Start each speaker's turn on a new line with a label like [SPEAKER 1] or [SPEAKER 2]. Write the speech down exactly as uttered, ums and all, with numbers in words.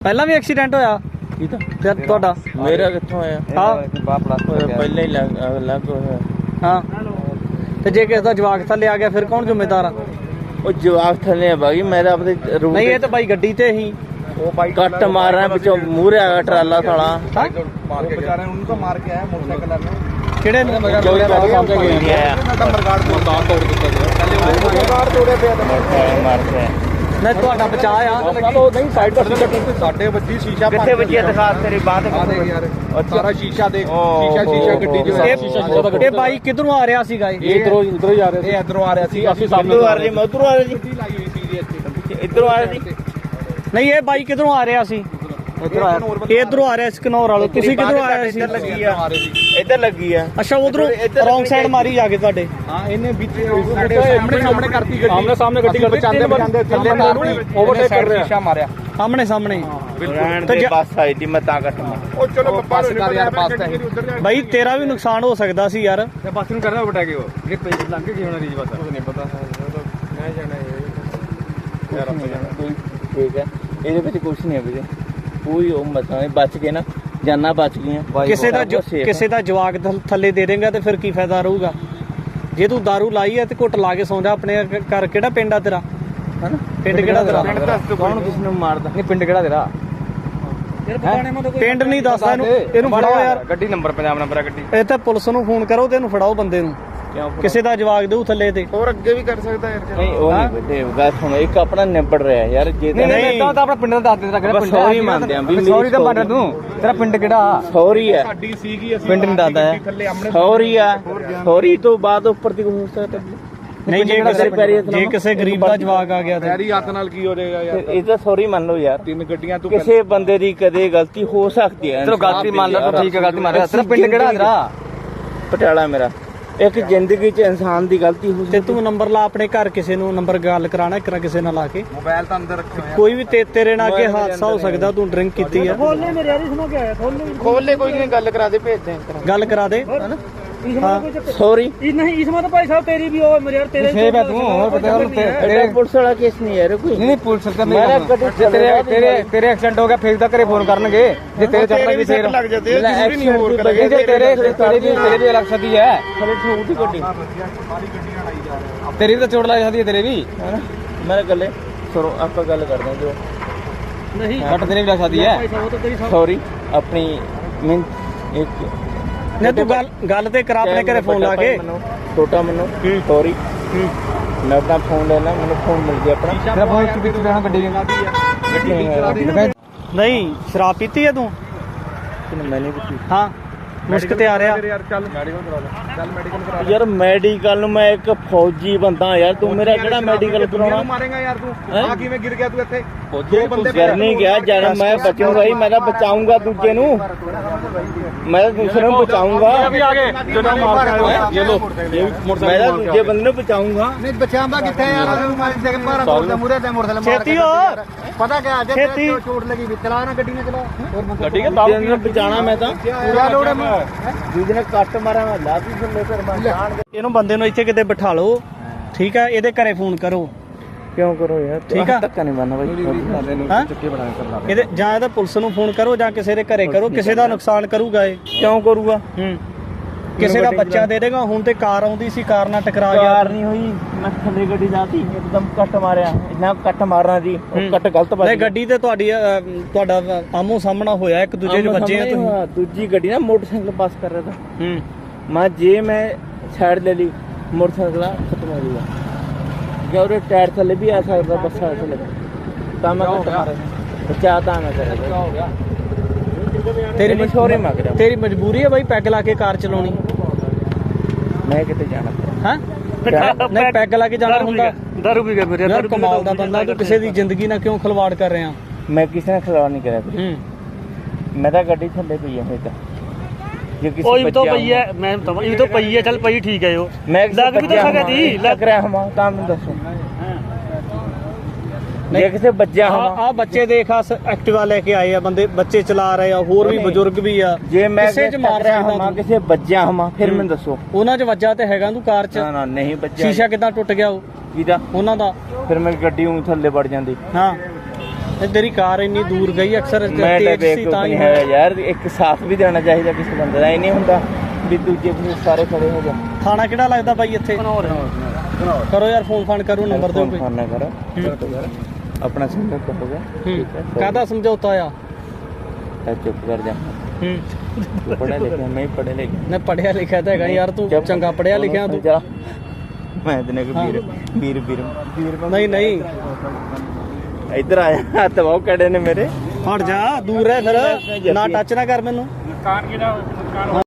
[SPEAKER 1] ਪਹਿਲਾਂ ਵੀ ਐਕਸੀਡੈਂਟ ਹੋਇਆ ਫਿਰ ਤੁਹਾਡਾ?
[SPEAKER 2] ਮੇਰਾ ਕਿੱਥੋਂ ਹੋਇਆ?
[SPEAKER 1] ਹਾਂ
[SPEAKER 2] ਪਹਿਲਾਂ ਹੀ ਲੱਗ ਹੋਇਆ।
[SPEAKER 1] ਹਾਂ ਤੇ ਜੇ ਕਿਸੇ ਦਾ ਜਵਾਕ ਥੱਲੇ ਆ ਗਿਆ ਫਿਰ ਕੌਣ ਜ਼ਿੰਮੇਦਾਰ ਆ?
[SPEAKER 2] ਉਹ ਜਵਾਕ ਥੱਲੇ ਆ ਬਾਈ, ਮੈਂ ਤਾਂ ਆਪਣੇ
[SPEAKER 1] ਨਹੀਂ ਇਹ ਤਾਂ ਬਾਈ ਗੱਡੀ ਤੇ ਹੀ
[SPEAKER 2] ਉਹ ਬਾਈ ਕੱਟ ਮਾਰ ਰਿਹਾ ਪਿੱਛੋਂ ਮੂਹਰੇ ਆ ਗਿਆ ਟਰਾਲਾ ਸਾਲਾ
[SPEAKER 1] ਹਾਂ
[SPEAKER 3] मार के जा रहे हैं उनको मार के आया मोटरसाइकिल वाले
[SPEAKER 1] ਕਿਹੜੇ ਨੇ?
[SPEAKER 2] ਨੰਬਰ
[SPEAKER 3] गार्ड को दांत तोड़ दिया पहले गार्ड तोड़े पे
[SPEAKER 2] ਮਾਰ ਕੇ
[SPEAKER 1] ਨਹੀਂ ਤੁਹਾਡਾ ਬਚਾ ਆ
[SPEAKER 3] नहीं साइड पर साढ़े बच्ची शीशा
[SPEAKER 2] ਕਿੱਥੇ ਵੱਜੀ ਦਿਖਾ ਤੇਰੀ ਬਾਤ
[SPEAKER 3] यार सारा शीशा देख शीशा शीशा गड्डी जो है
[SPEAKER 1] ਇਹ ਬਾਈ ਕਿੱਧਰੋਂ ਆ ਰਿਹਾ ਸੀਗਾ? ਇਹ
[SPEAKER 3] इधरों इधरों ही आ रहे थे इधरों आ रहे थे ਅਸੀਂ
[SPEAKER 2] ਸਾਹਮਣੇ ਆ ਰਹੀ ਮੈਂ ਉਧਰੋਂ ਆ ਰਹੀ ਜੀ ਇੱਧਰੋਂ ਆ ਰਹੀ
[SPEAKER 1] ਨਹੀਂ ਇਹ ਬਾਈ ਕਿੱਧਰੋਂ ਆ ਰਿਹਾ ਸੀ?
[SPEAKER 3] इधर आया
[SPEAKER 1] ਇਹ ਇੱਧਰੋਂ ਆ ਰਿਹਾ ਸੀ ਕਨੌਰ ਵਾਲੋ, ਤੁਸੀਂ ਕਿੱਧਰੋਂ ਆਏ ਸੀ?
[SPEAKER 2] ਇੱਧਰ ਲੱਗੀ ਆ ਇੱਧਰ ਲੱਗੀ ਆ
[SPEAKER 1] ਅੱਛਾ ਉਧਰੋਂ ਰੌਂਗ ਸਾਈਡ ਮਾਰੀ ਜਾ ਕੇ ਤੁਹਾਡੇ?
[SPEAKER 3] हां इन्हें बीच सामने सामने करती गड्डी आमने सामने गड्डी करते चांदे बचांदे थल्ले मारती ओवरटेक कर रहा शीशा मारया
[SPEAKER 1] ਸਾਹਮਣੇ ਸਾਹਮਣੇ
[SPEAKER 2] ਰਹਿਣ
[SPEAKER 1] ਤੇ
[SPEAKER 2] ਦੇ
[SPEAKER 1] ਜੇ-
[SPEAKER 2] ਬੱਸ ਆਈ ਦੀ ਮੈਂ ਤਾਂ ਕੱਟ ਮਾਰ
[SPEAKER 3] ओ चलो बस कर यार पास है
[SPEAKER 1] ਬਾਈ ਤੇਰਾ ਵੀ ਨੁਕਸਾਨ ਹੋ ਸਕਦਾ ਸੀ ਯਾਰ।
[SPEAKER 3] बस ਨੂੰ ਕਰਨਾ ਬਟਾ ਕੇ ਉਹ ਇਹ ਪੇਜ ਲੰਘ ਕੇ ਕੀ ਹੋਣਾ ਰੀਜ ਬਸ ਨਹੀਂ ਪਤਾ ਮੈਂ ਜਾਣਾ ਇਹ ਯਾਰ ਆਪਾਂ ਜਾਣਾ
[SPEAKER 2] ਕੋਈ ਠੀਕ ਹੈ ਇਹਦੇ ਵਿੱਚ ਕੁਝ ਨਹੀਂ ਹੈ ਵੀਰੇ, ਕੋਈ ਉਹ ਮਸਲਾ ਨਹੀਂ, ਬਚ ਗਏ ਨਾ, ਜਾਨਾਂ ਬਚ ਗਈਆਂ।
[SPEAKER 1] ਕਿਸੇ ਦਾ
[SPEAKER 2] ਬਹੁਤ safe
[SPEAKER 1] ਕਿਸੇ ਦਾ ਜਵਾਕ ਥ- ਥੱਲੇ ਦੇ ਦੇਂਗਾ ਤੇ ਫਿਰ ਕੀ ਫਾਇਦਾ ਰਹੂਗਾ? ਜੇ ਤੂੰ ਦਾਰੂ ਲਾਈ ਹੈ ਤੇ ਘੁੱਟ ਲਾ ਕੇ ਸੌਂ ਜਾ। ਆਪਣੇ ਘਰ ਕਿਹੜਾ ਪਿੰਡ ਆ ਤੇਰਾ?
[SPEAKER 2] ਹਨਾ
[SPEAKER 1] ਪਿੰਡ ਕਿਹੜਾ ਤੇਰਾ?
[SPEAKER 2] ਕੌਣ ਕਿਸ ਨੂੰ ਮਾਰਦਾ?
[SPEAKER 3] ਨਹੀਂ ਪਿੰਡ ਕਿਹੜਾ ਤੇਰਾ
[SPEAKER 1] ਪਿੰਡ ਨਹੀਂ ਦੱਸਦਾ ਇਹਨੂੰ, ਇਹਨੂੰ ਫੜਾਓ ਯਾਰ।
[SPEAKER 3] ਗੱਡੀ ਨੰਬਰ ਪੰਜਾਬ ਨੰਬਰ ਆ ਗੱਡੀ
[SPEAKER 1] ਇਹ ਤਾਂ ਪੁਲਿਸ ਨੂੰ ਫੋਨ ਕਰੋ ਤੇ ਇਹਨੂੰ ਫੜਾਓ ਬੰਦੇ ਨੂੰ।
[SPEAKER 2] ਕਿਉਂ
[SPEAKER 1] ਕਿਸੇ ਦਾ ਜਵਾਕ ਦੇਊ ਥੱਲੇ ਤੇ।
[SPEAKER 3] ਹੋਰ ਅੱਗੇ ਵੀ ਕਰ ਸਕਦਾ ਯਾਰ
[SPEAKER 2] ਨਹੀਂ ਉਹ ਨਹੀਂ ਬੇਟੇ ਗੱਲ ਸੁਣੋ, ਇੱਕ ਆਪਣਾ ਨਿਬੜ ਰਿਹਾ ਯਾਰ। ਜੇ ਤਾਂ
[SPEAKER 1] ਨਹੀਂ,
[SPEAKER 3] ਤਾਂ ਆਪਣਾ ਪਿੰਡ ਦਾ ਦੱਸ ਦੇ ਤੇਰਾ ਕਿਹੜਾ
[SPEAKER 2] ਬਸ ਸੌਰੀ ਮੰਨਦੇ ਆਂ ਵੀ
[SPEAKER 3] ਸੌਰੀ ਤਾਂ ਮੰਨ ਤੂੰ ਤੇਰਾ ਪਿੰਡ ਕਿਹੜਾ
[SPEAKER 2] ਸੌਰੀ ਹੈ,
[SPEAKER 3] ਸਾਡੀ ਸੀਗੀ ਅਸੀਂ
[SPEAKER 1] ਪਿੰਡ ਨਹੀਂ ਦੱਸਦਾ ਹੈ।
[SPEAKER 3] ਥੱਲੇ ਆਮਣੇ
[SPEAKER 2] ਸੌਰੀ ਆ, ਸੌਰੀ ਤੋਂ ਬਾਅਦ ਉੱਪਰ ਦੀ ਹੋ ਸਕਦਾ।
[SPEAKER 1] ਨਹੀਂ ਜੇ ਕਿਸੇ ਜੇ ਕਿਸੇ ਗਰੀਬ ਦਾ ਜਵਾਕ ਆ ਗਿਆ ਤੇ
[SPEAKER 3] ਪੈਰੀ ਹੱਥ ਨਾਲ ਕੀ ਹੋ ਜਾਏਗਾ ਯਾਰ
[SPEAKER 2] ਇਹ ਤਾਂ ਸੌਰੀ ਮੰਨ ਲਓ ਯਾਰ।
[SPEAKER 3] ਤਿੰਨ ਗੱਡੀਆਂ ਤੂੰ
[SPEAKER 2] ਕਿਸੇ ਬੰਦੇ ਦੀ ਕਦੇ ਗਲਤੀ ਹੋ ਸਕਦੀ ਹੈ।
[SPEAKER 3] ਚਲੋ ਗਲਤੀ ਮੰਨ ਲਾ ਤੂੰ, ਠੀਕ ਹੈ ਗਲਤੀ ਮੰਨ ਰਿਹਾ। ਤੇਰਾ ਪਿੰਡ ਕਿਹੜਾ ਤੇਰਾ?
[SPEAKER 2] ਪਟਿਆਲਾ ਮੇਰਾ। ਇੱਕ ਜ਼ਿੰਦਗੀ 'ਚ ਇਨਸਾਨ ਦੀ ਗਲਤੀ ਹੋ
[SPEAKER 1] ਤੇ ਤੂੰ ਨੰਬਰ ਲਾ ਆਪਣੇ ਘਰ, ਕਿਸੇ ਨੂੰ ਨੰਬਰ ਗੱਲ ਕਰਾਣਾ ਇੱਕ ਨਾ ਕਿਸੇ ਨਾਲ ਲਾ ਕੇ।
[SPEAKER 3] ਮੋਬਾਈਲ ਤਾਂ ਅੰਦਰ ਰੱਖਿਆ ਹੋਇਆ
[SPEAKER 1] ਕੋਈ ਵੀ ਤੇ ਤੇਰੇ ਨਾਲ ਅੱਗੇ ਹਾਦਸਾ ਹੋ ਸਕਦਾ। ਤੂੰ ਡਰਿੰਕ ਕੀਤੀ ਆ,
[SPEAKER 2] ਖੋਲ ਲੈ, ਕੋਈ ਨਹੀਂ, ਗੱਲ ਕਰਾ ਦੇ, ਭੇਜ ਦੇ
[SPEAKER 1] ਗੱਲ ਕਰਾ ਦੇ।
[SPEAKER 2] ਸੌਰੀ।
[SPEAKER 1] नहीं इसमें तो भाई साहब तेरी भी हो मेरे यार तेरे
[SPEAKER 3] सेब है तू और बता
[SPEAKER 2] तेरे पुलिस वाला केस नहीं है कोई
[SPEAKER 3] नहीं पुलिस का
[SPEAKER 2] मेरा कभी
[SPEAKER 3] तेरे तेरे तेरे एक्सीडेंट हो गया फिर तक करे फोन करनगे जे तेरे चक्कर भी फिर
[SPEAKER 2] लग जाते हैं, दूसरी नहीं और कर
[SPEAKER 3] नहीं जे तेरे तेरे भी तेरे भी अलग सदी है
[SPEAKER 2] थोड़ी छोटी गड्डी
[SPEAKER 3] तेरी भी तो चोट लग जाती है तेरे भी
[SPEAKER 2] है ना। मेरे गले सुनो, आप गल कर दें जो
[SPEAKER 1] नहीं
[SPEAKER 3] बट तेरी भी लग जाती है
[SPEAKER 2] सॉरी अपनी मीन एक
[SPEAKER 1] नहीं तू गल गल ते करा अपने घरे फोन ला के।
[SPEAKER 2] छोटा मनु सॉरी, मैं अपना फोन लेना, मैंने फोन मिल गया अपना।
[SPEAKER 3] तेरा फोन के बीच में गड्डी में
[SPEAKER 1] नहीं शराब पीती है तू?
[SPEAKER 2] मैंने भी की।
[SPEAKER 1] हाँ मुश्क ते आ रहा
[SPEAKER 3] यार चल मेडिकल करा ले चल मेडिकल करा
[SPEAKER 2] यार मेडिकल ਨੂੰ ਮੈਂ ਇੱਕ ਫੌਜੀ ਬੰਦਾ ਯਾਰ, ਤੂੰ ਮੇਰਾ ਕਿਹੜਾ ਮੈਡੀਕਲ ਕਰਾਉਣਾ?
[SPEAKER 3] मारेगा यार तू आ किवें गिर गया तू ਇੱਥੇ
[SPEAKER 2] ਦੋ ਬੰਦੇ ਗਿਰ ਨਹੀਂ ਗਿਆ ਜਦ ਮੈਂ ਬਚੂੰਗਾ ਹੀ, ਮੈਂ ਤਾਂ ਬਚਾਉਂਗਾ ਦੂਜੇ ਨੂੰ, ਮੈਂ ਤਾਂ ਦੂਸਰੇ ਨੂੰ ਬਚਾਉਂਗਾ।
[SPEAKER 3] अभी आगे जो मार ये लो ये
[SPEAKER 2] ਮੈਂ ਤਾਂ ਦੂਜੇ ਬੰਦੇ ਨੂੰ ਬਚਾਉਂਗਾ।
[SPEAKER 3] नहीं बचाऊंगा किथे यार अगर मारी से बारह बोल दे मुरे दे मोटरसाइकिल मार
[SPEAKER 1] छेती हो
[SPEAKER 3] पता क्या आज
[SPEAKER 1] छेती।
[SPEAKER 3] चोट लगी भी चला ना गड्डी ने चला
[SPEAKER 2] ਗੱਡੀ ਕੇ ਬਾਬੂ ਨੂੰ ਬਚਾਣਾ ਮੈਂ ਤਾਂ।
[SPEAKER 3] पूरा लोड है
[SPEAKER 2] ਦੂਜੇ ਨੇ ਕੱਟ ਮਾਰਿਆ, ਮੈਂ ਲਾਤੀ ਥੱਲੇ ਫਿਰ ਮੈਂ ਜਾਣ ਕੇ।
[SPEAKER 1] ਇਹਨੂੰ ਬੰਦੇ ਨੂੰ ਇੱਥੇ ਕਿਤੇ ਬਿਠਾ ਲਓ, ਠੀਕ ਆ? ਇਹਦੇ ਘਰੇ ਫੋਨ ਕਰੋ।
[SPEAKER 2] ਕਿਉਂ ਕਰੋ ਯਾਰ,
[SPEAKER 1] ਠੀਕ ਆ?
[SPEAKER 2] ਧੱਕਾ ਨਹੀਂ ਮਾਰਨਾ ਬਾਈ।
[SPEAKER 1] ਹਾਂ
[SPEAKER 3] चक्के बना कर
[SPEAKER 1] ਇਹਦੇ ਜਾਂ ਇਹਦਾ ਪੁਲਿਸ ਨੂੰ ਫੋਨ ਕਰੋ ਜਾਂ ਕਿਸੇ ਦੇ ਘਰੇ ਕਰੋ। ਕਿਸੇ ਦਾ ਨੁਕਸਾਨ ਕਰੂਗਾ ਇਹ।
[SPEAKER 2] ਕਿਉਂ ਕਰੂਗਾ?
[SPEAKER 1] ਹੂੰ ਕਿਸੇ ਦਾ ਬੱਚਾ ਦੇ ਦੇਗਾ। ਹੁਣ ਤੇ ਕਾਰ ਆਉਂਦੀ ਸੀ, ਕਾਰ ਨਾਲ ਟਕਰਾ ਗਿਆ।
[SPEAKER 2] ਕਾਰ ਨਹੀਂ ਹੋਈ, ਮੈਂ ਥੱਲੇ ਗੱਡੀ ਜਾਤੀ, ਇੱਕਦਮ ਕੱਟ ਮਾਰਿਆ। ਇੰਨਾ ਕੱਟ ਮਾਰਨਾ ਜੀ, ਉਹ ਕੱਟ ਗਲਤ ਵੱਜ
[SPEAKER 1] ਨਹੀਂ ਗੱਡੀ ਤੇ ਤੁਹਾਡੀ ਅ, ਤੁਹਾਡਾ ਆਮੋ ਸਾਹਮਣਾ ਹੋਇਆ, ਇੱਕ ਦੂਜੇ ਦੇ ਵੱਜੇ ਆ ਤੁਸੀਂ।
[SPEAKER 2] ਹਾਂ, ਦੂਜੀ ਗੱਡੀ ਨਾ ਮੋਟਰਸਾਈਕਲ ਪਾਸ ਕਰ ਰਿਹਾ था।
[SPEAKER 1] ਹੂੰ
[SPEAKER 2] ਮੈਂ ਜੇ ਮੈਂ ਸਾਈਡ ਲੈ ਲਈ, ਮੋਟਰਸਾਈਕਲ ਖਤਮ ਹੋ ਜਾਊਗਾ। ਜਾਂ ਉਹਦੇ ਟਾਇਰ ਥੱਲੇ ਵੀ ਆ ਸਕਦਾ, ਬੱਸਾਂ ਥੱਲੇ ਤਾਂ ਮੈਂ ਕੱਟ ਮਾਰਿਆ, ਬਚਾ ਤਾਂ ਮੈਂ ਕਰਿਆ।
[SPEAKER 1] ਤੇਰੀ
[SPEAKER 2] ਮਸ਼ਹੂਰੀ ਮੰਗ ਰਿਹਾ,
[SPEAKER 1] ਤੇਰੀ ਮਜਬੂਰੀ ਹੈ ਬਾਈ ਪੈਗ ਲਾ ਕੇ ਕਾਰ ਚਲਾਉਣੀ।
[SPEAKER 2] ਮੈਂ ਕਿਤੇ ਜਾਣਾ।
[SPEAKER 1] ਹਾਂ ਨਹੀਂ ਪੈਗ ਲਾ ਕੇ ਜਾਣਾ ਹੁੰਦਾ।
[SPEAKER 3] दारू पी गया मेरे
[SPEAKER 1] ਯਾਰ ਕਮਾਲ ਦਾ ਬੰਦਾ ਤੂੰ, ਕਿਸੇ ਦੀ ਜ਼ਿੰਦਗੀ ਨਾਲ ਕਿਉਂ ਖਿਲਵਾੜ ਕਰ ਰਿਹਾ?
[SPEAKER 2] ਮੈਂ ਕਿਸੇ ਨਾਲ ਖਿਲਵਾੜ ਨਹੀਂ ਕਰਿਆ।
[SPEAKER 1] ਹੂੰ
[SPEAKER 2] ਮੈਂ ਤਾਂ ਗੱਡੀ ਥੱਲੇ ਪਈ ਆ, ਫਿਰ ਤਾਂ ਜੇ ਕਿਸੇ
[SPEAKER 4] ਉਹ ਵੀ ਤਾਂ
[SPEAKER 2] ਬੱਚਿਆਂ
[SPEAKER 4] ਪਈ ਹੈ, ਮੈਂ ਤਾਂ ਇਹ ਤਾਂ ਪਈ ਹੈ, ਚੱਲ ਪਈ ਠੀਕ ਹੈ। ਉਹ
[SPEAKER 2] ਮੈਂ
[SPEAKER 4] ਲੱਗ ਵੀ ਤਾਂ ਸਕਦੀ ਸੀ,
[SPEAKER 2] ਲੱਗ ਰਿਹਾ ਹਾਂ ਤਾਂ ਮੈਨੂੰ ਦੱਸੋ। ਜੇ ਕਿਸੇ ਬੱਚਿਆਂ
[SPEAKER 1] ਆ
[SPEAKER 2] ਹਾਂ
[SPEAKER 1] ਆ ਬੱਚੇ ਦੇਖ ਆ ਐਕਟਿਵਾ ਲੈ ਕੇ ਆਏ ਆ ਬੰਦੇ, ਬੱਚੇ ਚਲਾ ਰਹੇ ਆ, ਹੋਰ ਵੀ ਬਜ਼ੁਰਗ ਵੀ ਆ।
[SPEAKER 2] ਜੇ ਮੈਂ
[SPEAKER 1] ਕਿਸੇ ਚ ਮਾਰ
[SPEAKER 2] ਰਿਹਾ
[SPEAKER 1] ਸਕਦਾ
[SPEAKER 2] ਹਾਂ,
[SPEAKER 1] ਤੂੰ।
[SPEAKER 2] ਕਿਸੇ ਬੱਚਿਆਂ ਹਾਂ, ਫਿਰ ਮੈਨੂੰ ਦੱਸੋ।
[SPEAKER 1] ਉਹਨਾਂ 'ਚ ਵੱਜਾ ਤੇ ਹੈਗਾ ਤੂੰ ਕਾਰ 'ਚ।
[SPEAKER 2] ਨਾ ਨਾ ਨਹੀਂ ਬੱਚਿਆਂ।
[SPEAKER 1] ਸ਼ੀਸ਼ਾ ਕਿੱਦਾਂ ਟੁੱਟ ਗਿਆ ਉਹ
[SPEAKER 2] ਕਿਹਦਾ?
[SPEAKER 1] ਉਹਨਾਂ ਦਾ।
[SPEAKER 2] ਫਿਰ ਮੈਂ ਗੱਡੀ ਉਂ ਥੱਲੇ ਵੜ ਜਾਂਦੀ।
[SPEAKER 1] ਹਾਂ ਇਹ ਤੇਰੀ ਕਾਰ ਇੰਨੀ ਦੂਰ ਗਈ ਅਕਸਰ
[SPEAKER 2] ਮੈਂ ਤਾਂ
[SPEAKER 1] ਤੇਜ਼ ਸੀ
[SPEAKER 2] ਬੇਵਕੂਫ
[SPEAKER 1] ਤਾਂ ਹੀ
[SPEAKER 2] ਨਹੀਂ ਹੈ ਯਾਰ, ਇੱਕ ਸਾਥ ਵੀ ਦੇਣਾ ਚਾਹੀਦਾ ਕਿਸੇ ਬੰਦੇ ਦਾ। ਇਹ ਨਹੀਂ ਹੁੰਦਾ ਵੀ ਦੂਜੇ ਵੀ ਸਾਰੇ ਖੜੇ ਹੋ ਜਾ।
[SPEAKER 1] ਥਾਣਾ ਕਿਹੜਾ ਲੱਗਦਾ ਬਾਈ ਇੱਥੇ? ਕਰੋ ਯਾਰ ਫੋਨ ਫਾਨ ਕਰੋ, ਨੰਬਰ ਦਿਓ ਕੋਈ।
[SPEAKER 2] ਫੋਨ ਨਾ ਕਰ, ਆਪਣਾ ਸਮਝੌਤਾ ਹੋ ਗਿਆ ਠੀਕ ਹੈ।
[SPEAKER 1] ਕਾਹਦਾ ਸਮਝੌਤਾ ਆ?
[SPEAKER 2] ਤਾਂ ਚੁੱਪ ਕਰ ਜਾ।
[SPEAKER 1] ਹੂੰ
[SPEAKER 2] ਤੂੰ ਪੜ੍ਹਿਆ ਲਿਖਿਆ, ਮੈਂ ਹੀ ਪੜ੍ਹਿਆ ਲਿਖਿਆ।
[SPEAKER 1] ਮੈਂ ਪੜਿਆ ਲਿਖਿਆ ਤਾਂ ਹੈਗਾ ਯਾਰ, ਤੂੰ ਚੰਗਾ ਪੜਿਆ ਲਿਖਿਆ ਤੂੰ।
[SPEAKER 2] ਜਾ ਮੈਂ ਤੈਨੂੰ ਕਿ ਵੀਰ ਵੀਰ ਵੀਰ ਵੀਰ
[SPEAKER 1] ਨਹੀਂ ਨਹੀਂ
[SPEAKER 2] ਇੱਧਰ ਆਇਆ, ਹੱਥ ਬਹੁਤ ਕੜੇ ਨੇ ਮੇਰੇ।
[SPEAKER 1] ਹਟ ਜਾ, ਦੂਰ ਰਹਿ ਫਿਰ, ਨਾ ਟੱਚ ਨਾ ਕਰ ਮੈਨੂੰ।